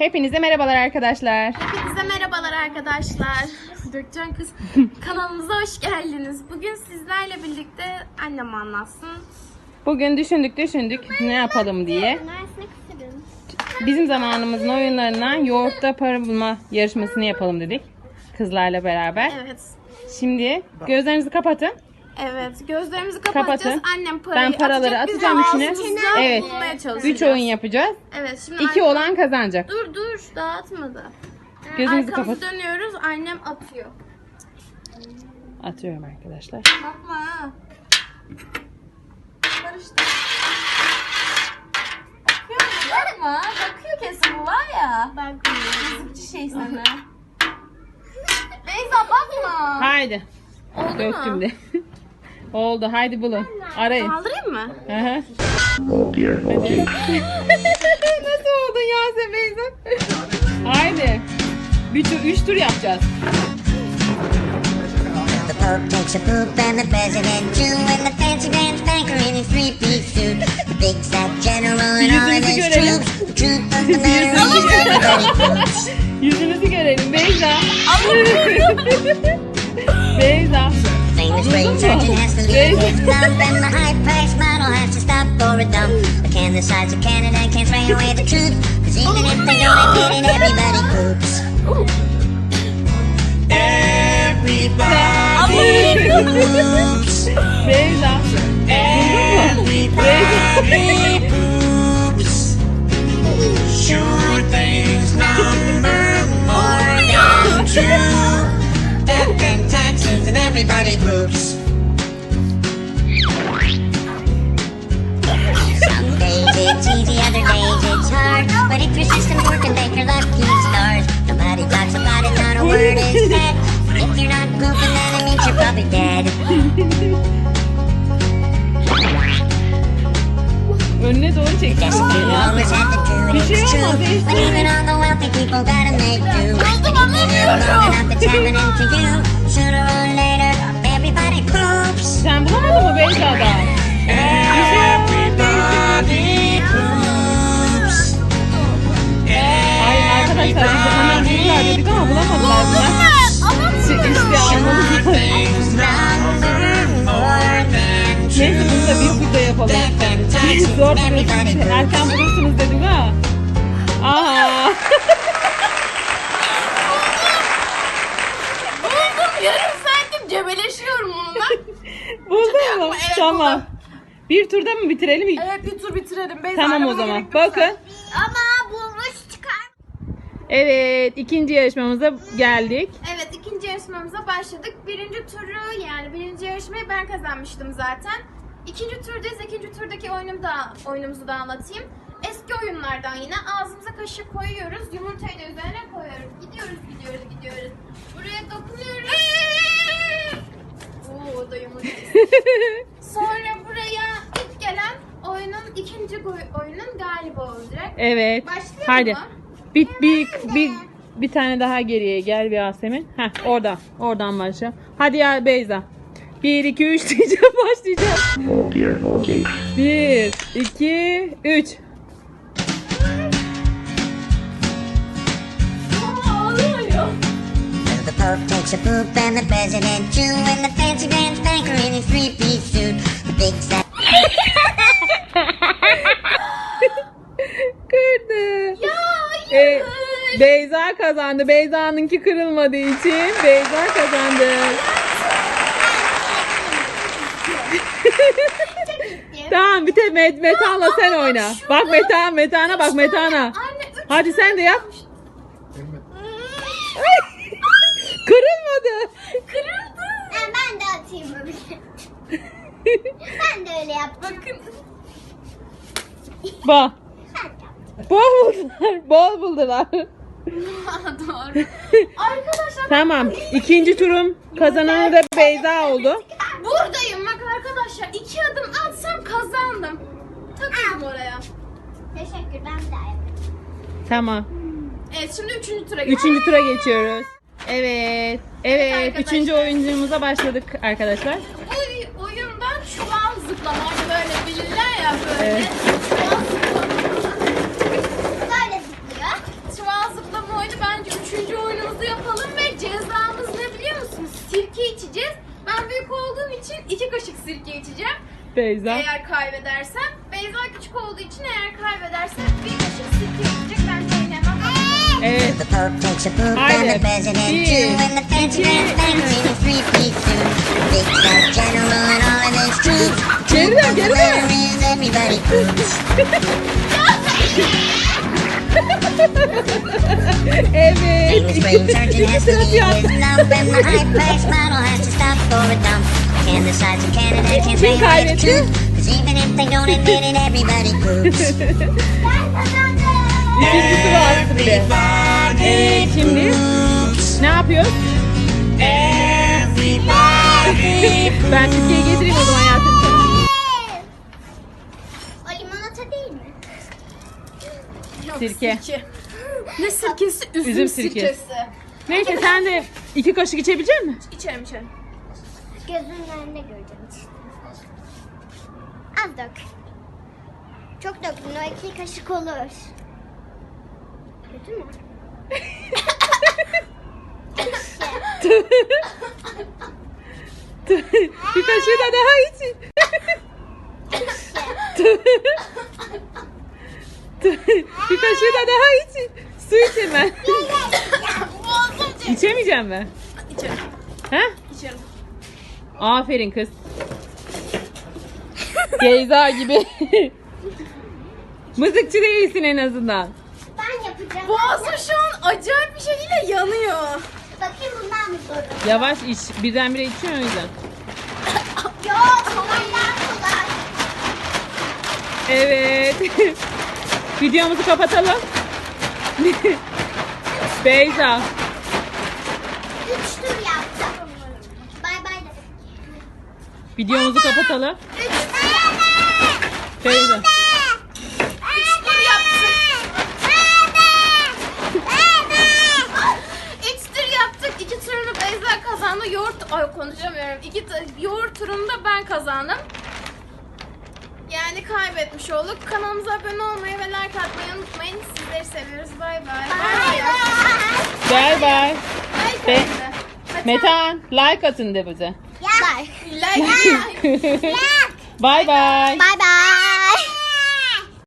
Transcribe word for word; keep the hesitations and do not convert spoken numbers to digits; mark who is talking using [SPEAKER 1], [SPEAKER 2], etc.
[SPEAKER 1] Hepinize merhabalar arkadaşlar.
[SPEAKER 2] Hepinize merhabalar arkadaşlar. Dökcan kız kanalımıza hoş geldiniz. Bugün sizlerle birlikte annem anlatsın.
[SPEAKER 1] Bugün düşündük düşündük ne yapalım diye. Bizim zamanımızın oyunlarından yoğurtta para bulma yarışmasını yapalım dedik. Kızlarla beraber.
[SPEAKER 2] Evet.
[SPEAKER 1] Şimdi gözlerinizi kapatın.
[SPEAKER 2] Evet. Gözlerimizi kapatacağız.
[SPEAKER 1] Kapatın.
[SPEAKER 2] Annem parayı
[SPEAKER 1] Ben paraları
[SPEAKER 2] atacak. Biz
[SPEAKER 1] atacağım
[SPEAKER 2] de
[SPEAKER 1] içine.
[SPEAKER 2] ağzımızdan
[SPEAKER 1] Evet.
[SPEAKER 2] bulmaya çalışacağız.
[SPEAKER 1] Üç oyun yapacağız.
[SPEAKER 2] Evet. Şimdi
[SPEAKER 1] İki
[SPEAKER 2] annem-
[SPEAKER 1] olan kazanacak.
[SPEAKER 2] Dur dur. Dağıtmadı. Yani
[SPEAKER 1] Gözünüzü
[SPEAKER 2] arkamızı
[SPEAKER 1] kapat.
[SPEAKER 2] dönüyoruz. Annem atıyor.
[SPEAKER 1] Atıyorum arkadaşlar.
[SPEAKER 2] Bakma ha. Karıştı. Bakıyor mu? Bakma. Bakıyor kesin bu var ya. Bakmıyor. Yazıkçı şey sana. Beyza bakma.
[SPEAKER 1] Haydi.
[SPEAKER 2] Oldu
[SPEAKER 1] Döktüm
[SPEAKER 2] mu?
[SPEAKER 1] de. Oldu. Haydi bulun. Arayın.
[SPEAKER 2] Kaldırayım mı?
[SPEAKER 1] Hı hı. Nasıl oldun Yasemin Beyza? Haydi. Bir tur, üç tur yapacağız.
[SPEAKER 3] The Pope takes a poop and the president too, and the fancy dance banker in his three-piece suit. The big fat general and all of
[SPEAKER 1] Yüzünüzü
[SPEAKER 3] his
[SPEAKER 1] görelim.
[SPEAKER 3] troops. The truth of the matter is everybody poops.
[SPEAKER 1] Yüzünüzü görelim Beyza. Beyza.
[SPEAKER 3] Famous brain surgeon has to lose his thumb, and the high-priced model has to stop for a dump. But can the sides of Canada can't spray away the truth? 'Cause even if they don't admit it, everybody poops. Everybody poops.
[SPEAKER 1] Beyza.
[SPEAKER 3] Everybody poops. Sure things number more than true. Death and taxes and everybody poops. Some days it's easy, other days it's hard. But if your system's working, thank your lucky stars. Nobody talks about it, not a word is said. If you're not pooping, then it means you're probably dead.
[SPEAKER 1] Önüne doğru çek.
[SPEAKER 3] You always have to do it,
[SPEAKER 1] Bir şey
[SPEAKER 3] it's true.
[SPEAKER 1] olmaz,
[SPEAKER 3] But
[SPEAKER 1] değiştirme.
[SPEAKER 3] even all the wealthy people gotta make do. Long enough it's happening to you. Sooner or later, everybody poops.
[SPEAKER 1] Sen bulamadın mı Beyza'da?
[SPEAKER 3] Everybody poops.
[SPEAKER 1] Ay arkadaşlar biz de hemen bulurlar dedik ama bulamadılar bunlar. İşte, işte anladım.
[SPEAKER 3] Things number more than true.
[SPEAKER 1] Neyse bunu da bir turda yapalım.
[SPEAKER 3] Death and taxes
[SPEAKER 1] Zor
[SPEAKER 3] and
[SPEAKER 1] buluyorsunuz.
[SPEAKER 3] everybody poops.
[SPEAKER 1] Erken bulursunuz dedim ha. Aha.
[SPEAKER 2] Buldum. Yarım saattir cebeleşiyorum onunla.
[SPEAKER 1] Buldun mu?
[SPEAKER 2] Evet,
[SPEAKER 1] Tamam.
[SPEAKER 2] buldum.
[SPEAKER 1] Bir turda mı bitirelim?
[SPEAKER 2] Evet bir tur bitirelim. Beyza
[SPEAKER 1] Tamam o
[SPEAKER 2] aramaya
[SPEAKER 1] zaman.
[SPEAKER 2] gerek yok
[SPEAKER 1] Bakın.
[SPEAKER 2] zaten. Ama bulmuş çıkar.
[SPEAKER 1] Evet, ikinci yarışmamıza geldik.
[SPEAKER 2] Evet ikinci yarışmamıza başladık. Birinci turu yani birinci yarışmayı ben kazanmıştım zaten. İkinci turdayız. İkinci turdaki oyunumu da, oyunumuzu da anlatayım. Eski oyunlardan yine ağzımıza kaşık koyuyoruz. Yumurtayı da üzerine koyuyoruz. Gidiyoruz gidiyoruz gidiyoruz. Buraya dokunuyoruz. Oo o da yumurta. Sonra buraya ilk gelen oyunun ikinci goy- oyunun galibi olacak.
[SPEAKER 1] Evet.
[SPEAKER 2] Başlayalım
[SPEAKER 1] Hadi.
[SPEAKER 2] mı?
[SPEAKER 1] Bir, bir, bir, bir tane daha geriye gel bir Yasemin. Heh, oradan. Oradan başla. Hadi ya Beyza. Bir, iki, üç diyeceğim. Başlayacağım. Bir, iki, üç.
[SPEAKER 2] Ağlıyor.
[SPEAKER 3] The Pope takes a poop and the president too, and the fancy dance banker in his three-piece suit. The big fat
[SPEAKER 1] Kırdı.
[SPEAKER 2] Ya
[SPEAKER 1] Ee,
[SPEAKER 2] hayır.
[SPEAKER 1] Beyza kazandı. Beyza'nınki kırılmadığı için Beyza kazandı. Tamam bir tek Met Metan'la sen oyna. Bak Metan, Metan'a bak Metan'a.
[SPEAKER 2] Anne üç
[SPEAKER 1] Hadi sen de yap. Kırılmadı.
[SPEAKER 2] kırıldı.
[SPEAKER 4] Ben de atayım böyle. Ben de öyle yaptım.
[SPEAKER 2] Bakın.
[SPEAKER 1] Bak. Bol buldular. Bol buldular.
[SPEAKER 2] Doğru. Arkadaşlar
[SPEAKER 1] Tamam. İkinci turun kazananı da Beyza oldu.
[SPEAKER 2] buradayım bak arkadaşlar. İki adım atsam kazandım. Takıldım oraya.
[SPEAKER 4] Teşekkür ben de yapayım.
[SPEAKER 1] Tamam.
[SPEAKER 2] Evet şimdi üçüncü tura geçelim.
[SPEAKER 1] Üçüncü tura geçiyoruz. Evet. Evet.
[SPEAKER 2] arkadaşlar.
[SPEAKER 1] Üçüncü oyuncumuza başladık arkadaşlar.
[SPEAKER 2] Bu oyunda çuval zıplama. Hani böyle bilirler ya böyle.
[SPEAKER 1] Evet.
[SPEAKER 2] Çuval zıplama.
[SPEAKER 4] Böyle zıplıyor.
[SPEAKER 2] Çuval sirke içeceğim.
[SPEAKER 1] Beyza.
[SPEAKER 2] Eğer kaybedersem. Beyza küçük olduğu için eğer kaybedersem bir kaşık sirke içecek. Ben de oynayamam.
[SPEAKER 1] Evet.
[SPEAKER 3] The Pope takes a poop
[SPEAKER 1] Haydi.
[SPEAKER 3] and the President
[SPEAKER 1] Bir,
[SPEAKER 3] too, and the fancy
[SPEAKER 1] iki,
[SPEAKER 3] man thanks in three feet two. Big fat general and all of his troops.
[SPEAKER 1] Geri dön, geri dön.
[SPEAKER 3] There is everybody poops.
[SPEAKER 1] Evet.
[SPEAKER 3] English brain surgeon
[SPEAKER 1] İki
[SPEAKER 3] has to
[SPEAKER 1] sıra
[SPEAKER 3] leave
[SPEAKER 1] yaptı.
[SPEAKER 3] his lump, and the high price model has to stop for a dump. And the sides of Canada can't
[SPEAKER 1] Kim
[SPEAKER 3] say right
[SPEAKER 1] kaybetti?
[SPEAKER 3] truth, 'cause even if they don't admit it, everybody poops.
[SPEAKER 1] İkinci sıra attı bile. Evet şimdi ne yapıyoruz? Ben Türkiye'ye getireyim o zaman hayatım sana.
[SPEAKER 4] O limonata değil mi?
[SPEAKER 2] Yok,
[SPEAKER 1] Sirke.
[SPEAKER 2] Ne sirkesi? Üzüm,
[SPEAKER 1] Üzüm sirkesi.
[SPEAKER 2] sirkesi.
[SPEAKER 1] Neyse sen de iki kaşık içebilecek misin?
[SPEAKER 2] İçerim içerim.
[SPEAKER 4] Gözünün önünde göreceğim işte. Az dök. Çok döktün, o iki kaşık olur. Kötü mü?
[SPEAKER 1] Bir kaşığı da daha iç. Bir kaşığı da daha iç. Su iç hemen.
[SPEAKER 2] Boğazım çek.
[SPEAKER 1] İçemeyeceğim mi?
[SPEAKER 2] İçerim.
[SPEAKER 1] Ha?
[SPEAKER 2] İçerim.
[SPEAKER 1] Aferin kız. Beyza gibi. Mızıkçı değilsin en azından.
[SPEAKER 4] Ben yapacağım.
[SPEAKER 2] Boğazım şu an acayip bir şekilde yanıyor.
[SPEAKER 4] Bakayım bundan mı sorun?
[SPEAKER 1] Yavaş iç. Birdenbire içiyorsun o yüzden.
[SPEAKER 4] Yok, kolaylar kolay.
[SPEAKER 1] Evet. Videomuzu kapatalım. Beyza.
[SPEAKER 4] Üç tur yaptım. Bay bay de.
[SPEAKER 1] Videomuzu kapatalım.
[SPEAKER 4] Üç tur.
[SPEAKER 1] Beyza.
[SPEAKER 2] Üç tur yaptık. Üç tur yaptık. İki turunu Beyza kazandı. Yoğurt... Ay konuşamıyorum. İki t- yoğurt turunda ben kazandım. Yani kaybetmiş olduk. Kanalımıza abone olmayı ve like atmayı unutmayın. Sizleri seviyoruz. Bay bay.
[SPEAKER 1] Bay bay.
[SPEAKER 2] Like
[SPEAKER 1] Be-
[SPEAKER 2] atın. Hadi.
[SPEAKER 1] Metan like atın de bize.
[SPEAKER 4] Bye.
[SPEAKER 2] Like.
[SPEAKER 1] Bay bay.
[SPEAKER 4] Bye bye.